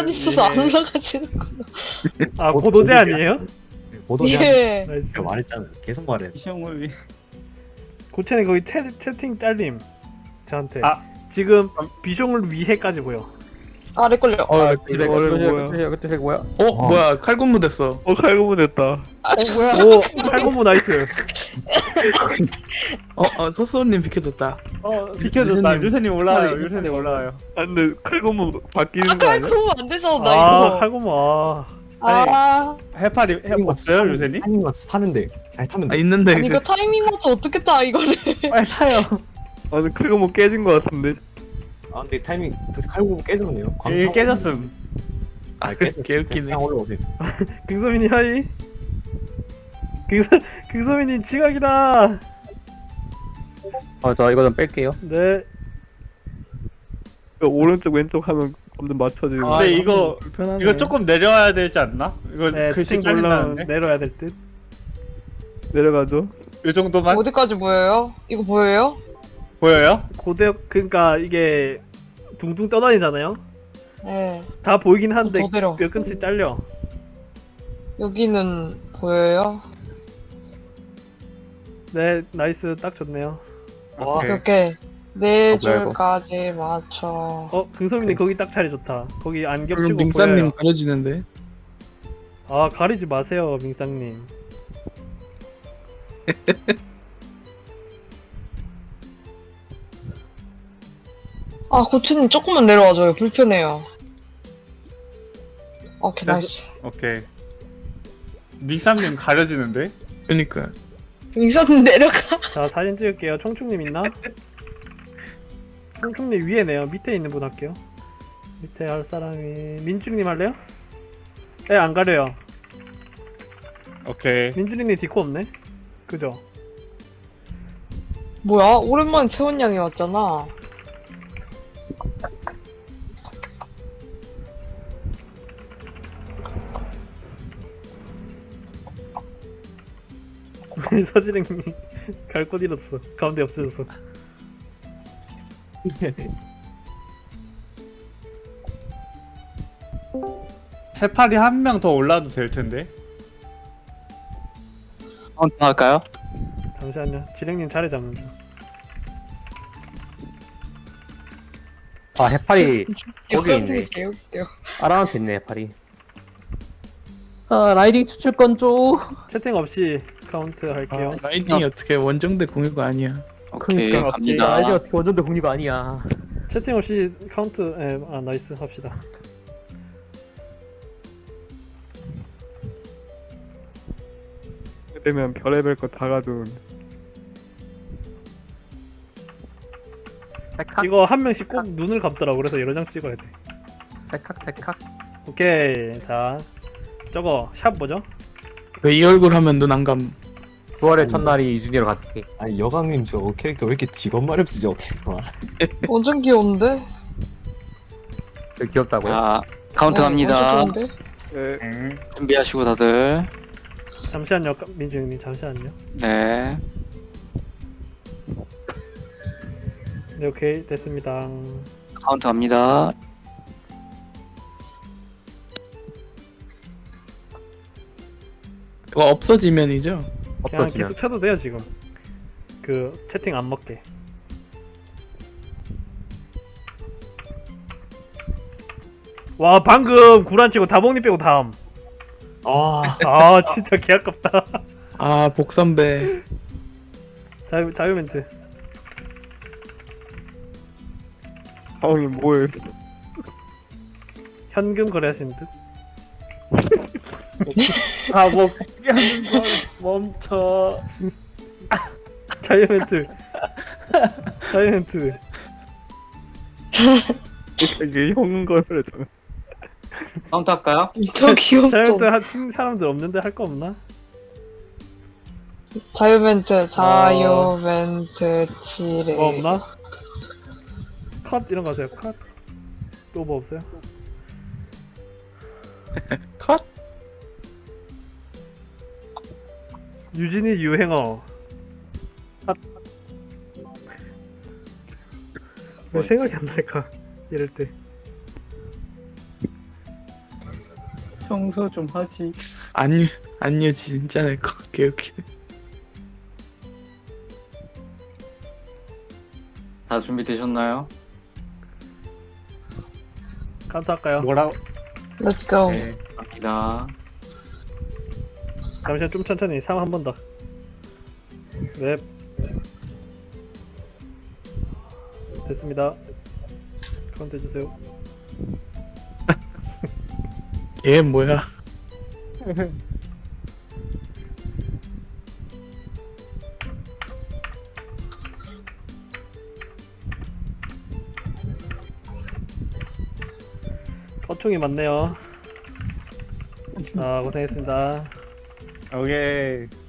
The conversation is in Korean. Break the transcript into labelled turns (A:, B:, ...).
A: 계단 있어서 안
B: 예.
A: 올라가지는구나.
B: 아 고도제 아니에요?
C: 고도제
A: 예.
B: 나이스.
C: 제가 말했잖아요. 계속 말해.
D: 이시영을 위.
B: 고체는 거기 채팅 잘림 저한테.
D: 아.
B: 지금 비숑을 위해까지 보여.
A: 아래 걸려.
E: 그때
D: 뭐야?
E: 그때 뭐야?
D: 뭐야 칼군무 됐어.
B: 칼군무 됐다.
A: 뭐야?
B: 오 칼군무 나이스.
D: 소소님 비켜줬다.
E: 비켜줬다. 유세님 올라와요.
D: 유세님
E: 유세님 올라와요.
B: 아 근데 칼군무 바뀌는 거
A: 아까
B: 아니야?
A: 그러면 안 되잖아 나
B: 아
A: 이거.
B: 칼군무 아.
A: 아,
E: 해파리 없어요 유세님?
C: 타이밍 맞춰 사면 돼. 잘 타면
D: 아
C: 돼.
D: 있는데
A: 아니 이거 타이밍 맞춰 어떻게 타 이거를?
E: 빨리 타요.
B: 아 근데 칼군무 깨진 거 같은데.
C: 아 근데 타이밍 그 칼국수 깨졌네요.
E: 이게 깨졌음.
C: 아 깨졌.
D: 개웃기네.
C: 그냥 올라오세요.
B: 긍소민이 하이. 긍소민이 지각이다.
E: 저 이거 좀 뺄게요.
B: 네. 오른쪽 왼쪽 하면 점점 맞춰지고.
E: 근데 이거
D: 불편하네.
E: 이거 조금 내려와야 되지 않나? 이거
B: 네,
E: 글씨
B: 채팅 올라
E: 잘린다는데?
B: 내려야 될 듯. 내려가죠.
E: 이 정도만
A: 어디까지 보여요? 이거 보여요?
E: 보여요?
B: 고대 그러니까 이게 둥둥 떠다니잖아요.
A: 네.
B: 다 보이긴 한데
A: 더 내려.
B: 몇根씩 잘려.
A: 여기는 보여요?
B: 네, 나이스 딱 좋네요.
C: 와.
A: 오케이 오케이. 네
E: 뭐야, 이거?
A: 줄까지 맞춰.
B: 긍소민이 거기 딱 자리 좋다. 거기 안
D: 그럼
B: 겹치고
D: 민사님
B: 보여요.
D: 가려지는데.
B: 아 가리지 마세요, 민상님.
A: 아 고추님 조금만 내려와줘요. 불편해요. 오케이 나이스.
E: 오케이. 닉삼님 가려지는데?
D: 그러니까.
A: 이선 내려가.
B: 자 사진 찍을게요. 총총님 있나? 총총님 위에네요. 밑에 있는 분 할게요. 밑에 할 사람이 민준님 할래요? 네, 안 가려요.
E: 오케이.
B: 민준님 디코 없네. 그죠?
A: 뭐야? 오랜만에 채원 양이 왔잖아.
B: 서지랭님 갈 곳 잃었어. 가운데 없어졌어.
E: 해파리 한 명 더 올라도 될 텐데.
F: 할까요?
B: 잠시만요. 지랭님 자리 잡는 중.
G: 아 해파리 거기 있네.
A: 개웃겨.
G: 아라한테 있네 해파리.
E: 라이딩 추출권 줘.
B: 채팅 없이 카운트 할게요.
D: 라이딩이 어떻게 원정대 공유가 아니야.
F: 오케이
G: 그러니까
F: 갑니다.
G: 아이디 어떻게 원전대 공유가 아니야.
B: 채팅 없이 카운트. 아 나이스 합시다.
H: 되면 별의별 거 다 가져온.
G: 찰칵
B: 이거 한 명씩 꼭 눈을 감더라고. 그래서 여러 장 찍어야 돼.
G: 찰칵.
B: 오케이. 자 저거 샵 뭐죠?
D: 왜 이 얼굴 하면 눈 안 감?
G: 9월의 첫날이 이준이로 갈게.
C: 아니 여강님 저 캐릭터 왜 이렇게 직업 마렵 쓰죠 캐릭터.
A: 완전 귀여운데?
G: 되게 귀엽다고요?
F: 자 카운트
A: 네,
F: 갑니다.
A: 완전 귀여운데?
H: 네.
F: 준비하시고 다들.
B: 잠시만요. 민주 형님 잠시만요.
F: 네.
B: 네 오케이 됐습니다.
F: 카운트 갑니다.
D: 이거 없어지면이죠.
B: 그냥
G: 없어지면.
B: 계속 쳐도 돼요 지금. 그 채팅 안 먹게. 와 방금 구란치고 다봉님 빼고 다음.
C: 아
B: 아 진짜 개 아깝다.
D: 아 복선배.
B: 자유 멘트.
H: 형이 뭐해?
B: 현금 거래하시는 듯.
E: 아뭐 하는 걸 멈춰.
B: 자유 멘트. 자유 멘트.
H: 이게 형 거래잖아.
F: 카운트 할까요?
A: 저
B: 자유
A: 귀엽죠?
B: 멘트 하신 사람들 없는데 할 거 없나?
A: 자유멘트 자유멘트 칠해.
B: 뭐 없나? 컷 이런 거 하세요. 컷. 또 뭐 없어요?
D: 컷.
B: 유진이 유행어. 왜 생각이 안 날까? 이럴 때.
F: 청소 좀 하지.
D: 안녕 진짜 내 거. 오케이.
F: 다 준비되셨나요?
B: 카운트 할까요?
E: 뭐라고?
A: Let's go.
F: 네, 갑니다.
B: 잠시만 좀 천천히 3 한 번 더. 네. 됐습니다. 카운트 해주세요.
D: 얘 뭐야?
B: 어충이 많네요. 아 고생했습니다.
E: 오케이.